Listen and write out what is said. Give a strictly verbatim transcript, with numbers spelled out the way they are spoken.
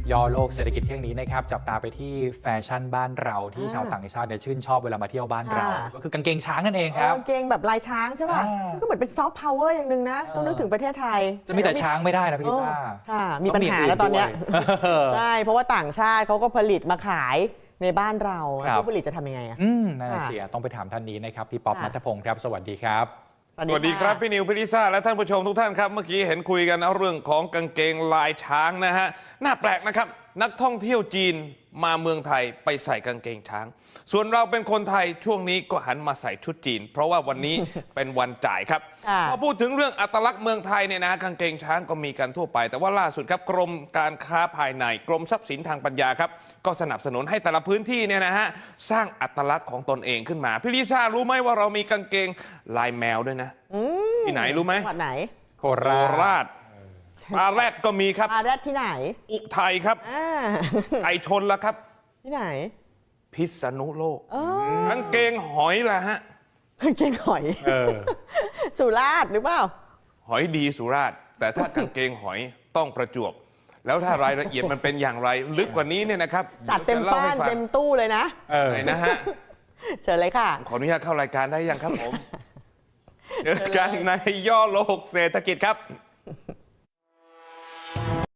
ย่อโลกเศรษฐกิจเที่ยงนี้นะครับจับตาไปที่แฟชั่นบ้านเราที่ชาวต่างชาติเนี่ยชื่นชอบเวลามาเที่ยวบ้านเรา ก็คือกางเกงช้างนั่นเองครับกางเกงแบบลายช้างใช่ป่ะอ่าก็เหมือนเป็นซอฟต์พาวเวอร์อย่างหนึ่งนะ ต้องนึกถึงประเทศไทยจะมีแต่ช้างไม่ได้นะพี่ลิซ่าค่ะ มีปัญหาแล้วตอนเนี้ยด้วยใช่ เพราะว่าต่างชาติเขาก็ผลิตมาขายในบ้านเราครับผู้ผลิตจะทำยังไงอะอืมนั่นน่ะค่ะเสียต้องไปถามท่านนี้นะครับพี่ป๊อปค่ะนัทพงศ์ครับสวัสดีครับสวัสดีครับพี่นิวพี่ลิซ่าและท่านผู้ชมทุกท่านครับเมื่อกี้เห็นคุยกันนะเรื่องของกางเกงลายช้างนะฮะน่าแปลกนะครับนักท่องเที่ยวจีนมาเมืองไทยไปใส่กางเกงช้าง ส่วนเราเป็นคนไทยช่วงนี้ก็หันมาใส่ชุดจีน เพราะว่าวันนี้ เป็นวันจ่ายครับค่ะพอพูดถึงเรื่องอัตลักษณ์เมืองไทยเนี่ยนะกางเกงช้างก็มีกันทั่วไป แต่ว่าล่าสุดครับกรมการค้าภายในกรมทรัพย์สินทางปัญญาครับก็สนับสนุนให้แต่ละพื้นที่เนี่ยนะฮะสร้างอัตลักษณ์ของตนเองขึ้นมาพี่ลิซ่ารู้ไหมว่าเรามีกางเกงลายแมวด้วยนะที่ไหนรู้ไหมจังหวัดไหนโคโคราชราชปลาแรดก็มีครับมาแรดที่ไหนอุทัยครับอ่าไอชนแล้วครับที่ไหนพิษณุโลกเออกางเกงหอยล่ะฮะกางเกงหอยเออสุราษฎร์หรือเปล่าหอยดีสุราษฎร์แต่ถ้ากางเกงหอยต้องประจวบ แล้วถ้ารายละเอียดมันเป็นอย่างไร ลึกกว่านี้เนี่ยนะครับสัตว์เต็มดี๋ยวจะบ้าล่นให้ฟังเต็มตู้เลยนะเออไหนนะฮะเชิญเลยค่ะขออนุญาตเข้ารายการได้ยังครับผมเจอกันในย่อโลกเศรษฐกิจครับ